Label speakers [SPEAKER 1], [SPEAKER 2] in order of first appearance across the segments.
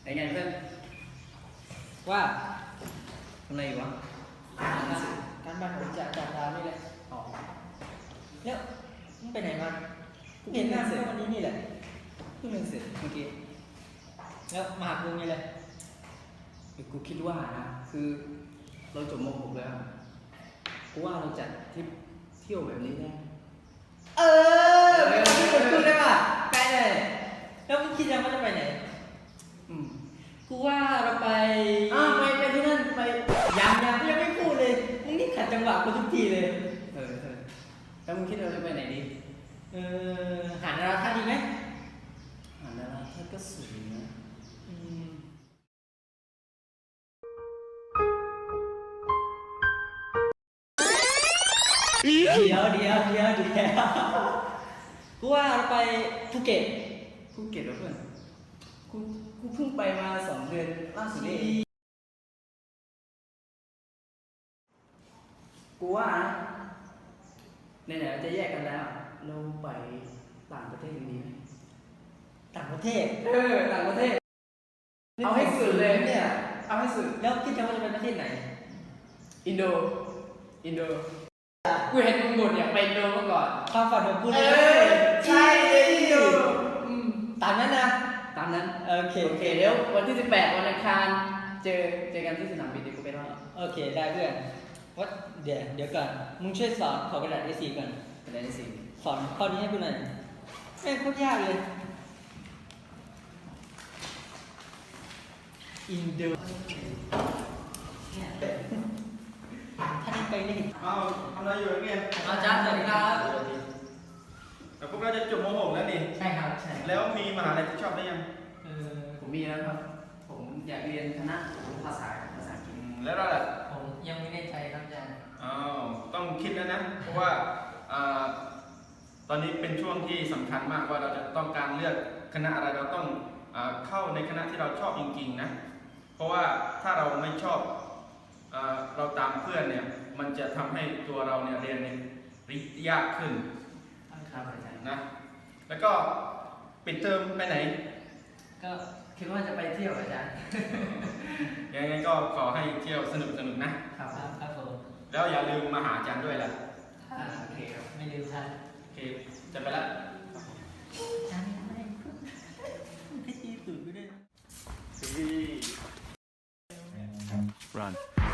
[SPEAKER 1] เป็นไงเพื่อน
[SPEAKER 2] ว่า
[SPEAKER 1] ทำอะไรอยู่วะ
[SPEAKER 2] การบ้านของจากดาวนี่แหละ
[SPEAKER 1] อ๋อ
[SPEAKER 2] แล้วมึงไปไหนมาเห็นหน้าเสร็จวันนี้นี่แหละ
[SPEAKER 1] เพิ่งเรียนเสร็จเมื่อกี้
[SPEAKER 2] แล้วมาหากูนี่เลย
[SPEAKER 1] กูคิดว่านะคือเราจบม .6 แล้วกูว่าเราจัดทริปเที่ยวแบบนี้ได้
[SPEAKER 2] ที่ผมพูดได้ป่ะใกล้เลยแล้วมึงคิดยังว่าจะไปไหนกูว่าเราไปไปที่นั่นไปยังไม่พูดเลยมึงนี่ขัดจังหวะกูทุกทีเลย
[SPEAKER 1] แล้วมึงคิดเราจะไปไหนดี
[SPEAKER 2] หาดาราท่าดีไหม
[SPEAKER 1] หาดาราท่าก็สวยนะ
[SPEAKER 2] เดี๋ยวกูว่าเราไปภูเก็ต
[SPEAKER 1] แล้วเพื่อนกูเพิ่งไปมา2 เดือนล่าสุดนี่กูว่านะไหนๆเราจะแยกกันแล้วเราไปต่างประเทศกันดีไหม
[SPEAKER 2] ต่างประเทศ
[SPEAKER 1] ต่างประเทศเอาให้สุดเลยเนี่ยเอาให้สุด
[SPEAKER 2] แล้วคิดจะว่าจะไปประเทศไหน
[SPEAKER 1] อินโดกูเห็นมึงบ่นอยากไปอินโดมาก่อน
[SPEAKER 2] ความฝันของกูเลย
[SPEAKER 1] ใช่อินโด
[SPEAKER 2] ตามนั้นนะ
[SPEAKER 1] ตามนั้น
[SPEAKER 2] โอเค
[SPEAKER 1] เดี๋ยววันที่18วันอังคารเจอกันที่สนามบินเดี๋ยวกูไปรอ
[SPEAKER 2] โอเคได้เพื่อนว่าเดี๋ยวก่อนมึงช่วยสอนขอกระดาษ A4 ก่อน
[SPEAKER 1] กระดาษ A4
[SPEAKER 2] สอนข้อนี้ให้กูหน่อยไม่โคตรยากเลยอินโดถ้าได้ไปนี่
[SPEAKER 3] ทำอะไรอยู่เนี่ย
[SPEAKER 2] อาจารย์สวัสดีครับ
[SPEAKER 3] แต่พวกเราจะจบม .6 แล้วนี่
[SPEAKER 2] ใช่ครับใช่
[SPEAKER 3] แล้วมีมหาลัยที่ชอบได้ยัง
[SPEAKER 1] ผมมีแล้วครับผมอยากเรียนคณะภาษาอังกฤษ
[SPEAKER 3] แล้วเราล่ะ
[SPEAKER 2] ผมยังไม่แน่ใจครับอาจารย์
[SPEAKER 3] ต้องคิดแล้วนะเพราะว่าตอนนี้เป็นช่วงที่สำคัญมากว่าเราจะต้องการเลือกคณะอะไรเราต้องเข้าในคณะที่เราชอบจริงๆนะเพราะว่าถ้าเราไม่ชอบเราตามเพื่อนเนี่ยมันจะทำให้ตัวเราเนี่ยเรียนเนี่ยยากขึ้นนะแล้วก็ปิดเทอมไปไหน
[SPEAKER 2] ก็คิดว่าจะไปเที่ยวอาจารย์
[SPEAKER 3] ยังไงก็ขอให้เที่ยวสนุกนะครับ
[SPEAKER 2] ผม
[SPEAKER 3] แล้วอย่าลืมมาหาอาจารย์ด้วยล่ะ
[SPEAKER 2] โอเคครับไม่ลืมท่าน
[SPEAKER 3] โอเคจะไปละ
[SPEAKER 2] อาจารย์ไม่ตีตื่นไปด้วย
[SPEAKER 3] Run.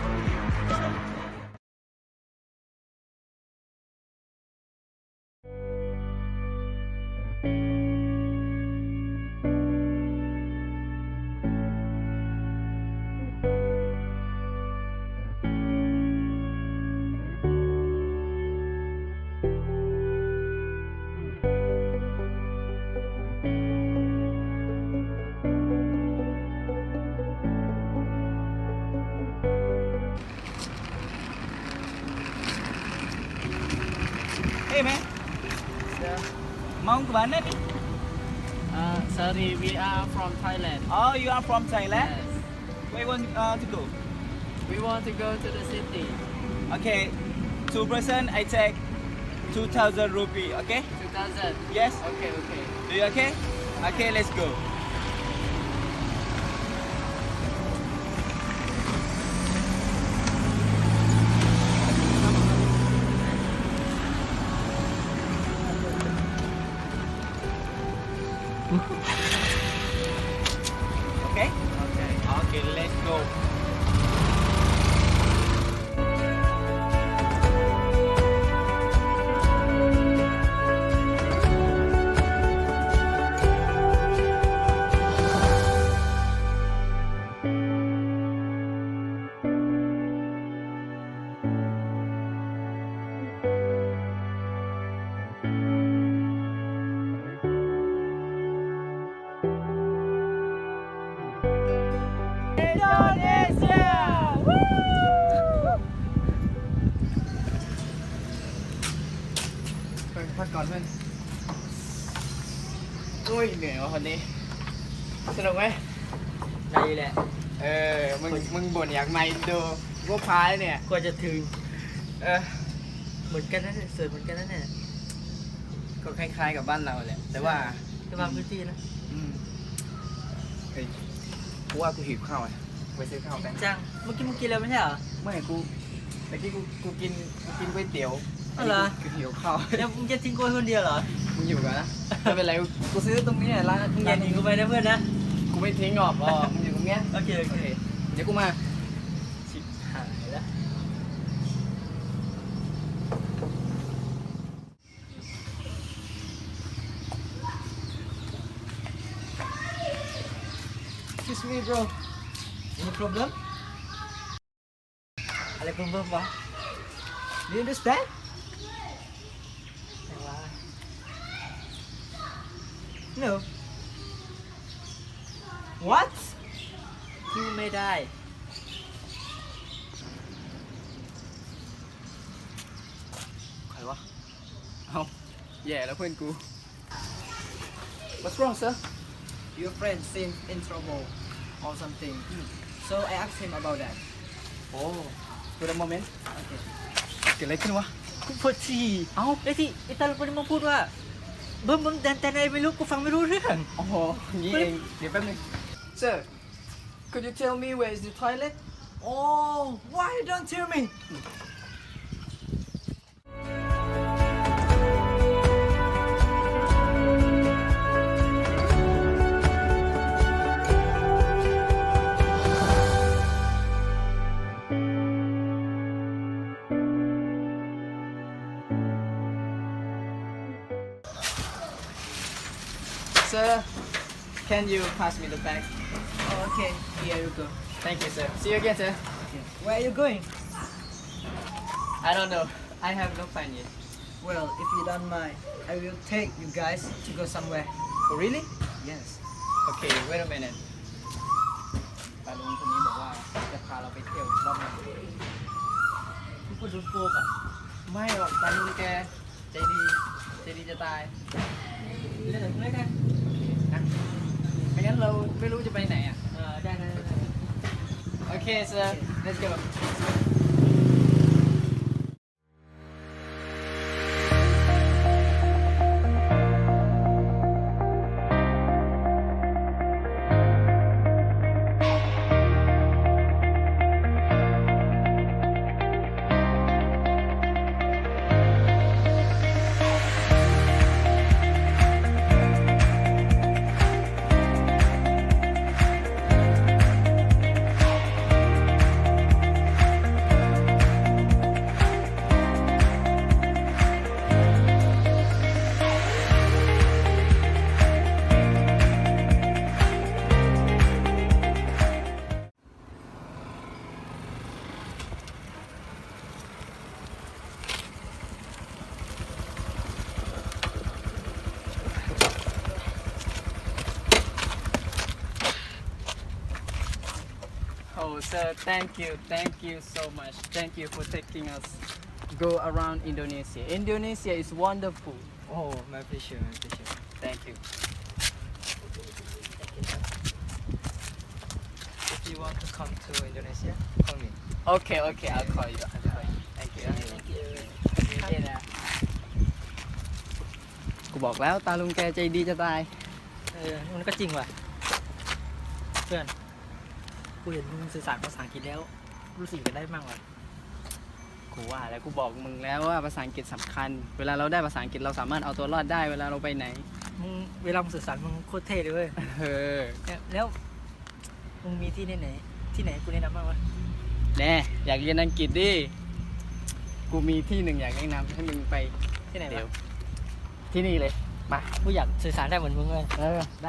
[SPEAKER 4] Hey man, mau ke mana ni?
[SPEAKER 5] Sorry, we are from Thailand.
[SPEAKER 4] Oh, you are from Thailand?
[SPEAKER 5] Yes.
[SPEAKER 4] Where you want to go?
[SPEAKER 5] We want to go to the city.
[SPEAKER 4] Okay, 2 person I take 2,000 rupee. Okay?
[SPEAKER 5] 2000.
[SPEAKER 4] Yes.
[SPEAKER 5] Okay.
[SPEAKER 4] Do you okay? Okay, let's go. Okay? Okay, let's go. Indonesia! Woo!
[SPEAKER 5] ไปพักก่อนเพื่อนอุ้ยเหนื่อยว่ะคนนี้สนุกไหม
[SPEAKER 2] ได้แหละ
[SPEAKER 5] มึงบ่นอยากมาอินโดกูพายเนี่ย
[SPEAKER 2] กว่าจะถึง
[SPEAKER 5] เหมือนกันนั่นเสิร์ฟเหมือนกันนั่นเนี่ยก็คล้ายๆกับบ้านเราแหละแต่ว่า
[SPEAKER 2] จะบางพื้นที่นะ
[SPEAKER 5] เฮ้ย
[SPEAKER 1] กูว่ากูหิวข้าวอ่ะไปซื้อข้าวกัน
[SPEAKER 2] จังเมื่อกี้มึงกินแล้วไม่ใช่เหรอ
[SPEAKER 1] ไม่แต่กี้กูกินก๋วยเตี๋ยว
[SPEAKER 2] อ๋อเหรอ
[SPEAKER 1] กูหิวข้าว
[SPEAKER 2] แล้วมึงจะทิ้งกูไว้คนเดียวเหรอ
[SPEAKER 1] มึงอยู่กันนะไม่เป็นไรกูซื้อตรงนี้ร้าน
[SPEAKER 2] มึงอย่าหนีกูไปนะเพื่อนนะ
[SPEAKER 1] กูไม่ทิ้งหรอกอ๋อมึงอยู่ตรงเนี้ย
[SPEAKER 2] โอเคโอ
[SPEAKER 1] โอ
[SPEAKER 2] เค
[SPEAKER 1] เคเดี๋ยวกูมา
[SPEAKER 2] ชิบหายแล้ว
[SPEAKER 1] Excuse me bro
[SPEAKER 2] Any problem อะไรเบิ่มๆวะ
[SPEAKER 1] Do you understand
[SPEAKER 2] ไหนวะ No
[SPEAKER 1] What
[SPEAKER 2] พูดไม่ได้
[SPEAKER 1] ใครวะเอาแย่แล้วเพื่อนกู What's wrong sir
[SPEAKER 5] Your friend seems in trouble or something. So I asked him about that.
[SPEAKER 1] Oh wait a moment
[SPEAKER 5] โอเค
[SPEAKER 1] เกิดอะไรขึ้นวะ
[SPEAKER 2] กูปวดฉี่เอ้าไอ้ที่ไอ้ตาลุกคนนี้มาพูดว่าเบิ่มแต่อะไรไม่รู้กูฟังไม่รู้เรื่อง
[SPEAKER 1] อ๋ออย่างนี้เองเดี๋ยวแป๊บนึง Sir could you tell me where is the toilet
[SPEAKER 5] Oh, why you don't tell me?
[SPEAKER 1] Sir can you pass me the bag
[SPEAKER 5] Oh, okay, here you go.
[SPEAKER 1] Thank you sir See you again sir
[SPEAKER 5] Where are you going?
[SPEAKER 1] I don't know I have no plan yet
[SPEAKER 5] Well, if you don't mind, I will take you guys to go somewhere.
[SPEAKER 1] Oh really
[SPEAKER 5] Yes.
[SPEAKER 1] Okay wait a minute ตาลุงคนนี้บอกว่าจะพาเราไปเที่ยวรอบนึง
[SPEAKER 2] กูปวดโดนโกงอ่ะ
[SPEAKER 1] ไม่หรอกตาลุงแกใจดีจะตาย
[SPEAKER 2] เล่นหนังเล่นกัน
[SPEAKER 1] นะไม่งั้นเราไม่รู้จะไปไหนอ่ะ
[SPEAKER 2] ได้
[SPEAKER 1] โอเค sir let's go Oh, sir, thank you so much. Thank you for taking us go around Indonesia. Indonesia is wonderful.
[SPEAKER 5] Oh, my pleasure, my pleasure.
[SPEAKER 1] Thank you.
[SPEAKER 5] If you want to come to Indonesia, call me.
[SPEAKER 1] Okay, I'll call you. Thank you.
[SPEAKER 2] เล่นนะ
[SPEAKER 1] กูบอกแล้วตาลุงแกใจดีจะตาย
[SPEAKER 2] มันก็จริงว่ะ เพื่อน กูเห็นมึงสื่อสารภาษาอังกฤษแล้ว รู้สึกจะได้มั่งว่ะ
[SPEAKER 1] กูว่าแล้วกูบอกมึงแล้วว่าภาษาอังกฤษสำคัญ เวลาเราได้ภาษาอังกฤษเราสามารถเอาตัวรอดได้เวลาเราไปไหน
[SPEAKER 2] มึงเวลามึงสื่อสารมึงโคตรเท่เลยเว้ย
[SPEAKER 1] เออ
[SPEAKER 2] แล้วมึงมีที่ไหนกูแนะนำบ้างวะ
[SPEAKER 1] แน่อยากเรียนอังกฤษดิ กูมีที่หนึ่งอยากแนะนำให้มึงไป
[SPEAKER 2] ที่ไหน
[SPEAKER 1] เดี๋ยว
[SPEAKER 2] วะ
[SPEAKER 1] ที่นี่เลย มา
[SPEAKER 2] กูอยากสื่อสารได้เหมือนมึงเลย
[SPEAKER 1] ได้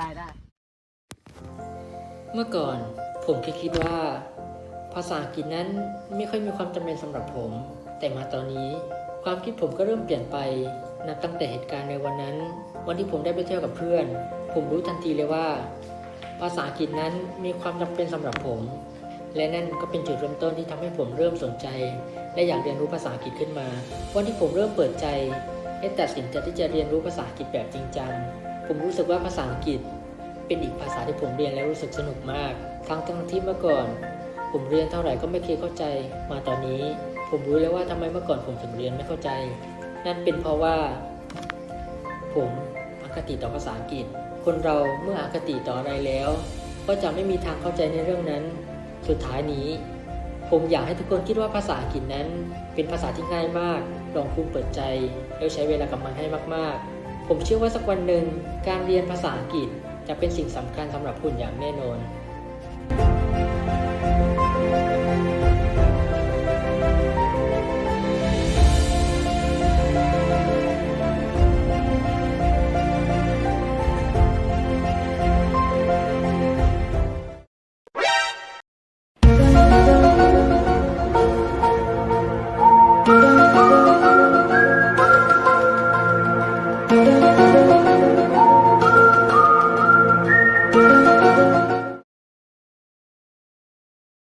[SPEAKER 6] เมื่อก่อนผมคิดว่าภาษาอังกฤษนั้นไม่ค่อยมีความจำเป็นสำหรับผม แต่มาตอนนี้ความคิดผมก็เริ่มเปลี่ยนไปนับตั้งแต่เหตุการณ์ในวันนั้น วันที่ผมได้ไปเที่ยวกับเพื่อน ผมรู้ทันทีเลยว่า ภาษาอังกฤษนั้นมีความจำเป็นสำหรับผม และนั่นก็เป็นจุดเริ่มต้นที่ทำให้ผมเริ่มสนใจ และอยากเรียนรู้ภาษาอังกฤษขึ้นมา วันที่ผมเริ่มเปิดใจและตัดสินใจที่จะเรียนรู้ภาษาอังกฤษแบบจริงจังผมรู้สึกว่าภาษาอังกฤษเป็นอีกภาษาที่ผมเรียนแล้วรู้สึกสนุกมากทั้งที่เมื่อก่อน ผมเรียนเท่าไหร่ก็ไม่เคยเข้าใจมาตอนนี้ ผมรู้แล้วว่าทำไมเมื่อก่อนผมถึงเรียนไม่เข้าใจ นั่นเป็นเพราะว่า ผมอคติต่อภาษาอังกฤษ คนเราเมื่ออคติต่ออะไรแล้วก็จะไม่มีทางเข้าใจในเรื่องนั้น สุดท้ายนี้ ผมอยากให้ทุกคนคิดว่าภาษาอังกฤษนั้นเป็นภาษาที่ง่ายมาก ลองคุณเปิดใจแล้วใช้เวลากับมันให้มากๆ ผมเชื่อว่าสักวันหนึ่งการเรียนภาษาอังกฤษจะเป็นสิ่งสำคัญสำหรับคุณอย่างแน่นอน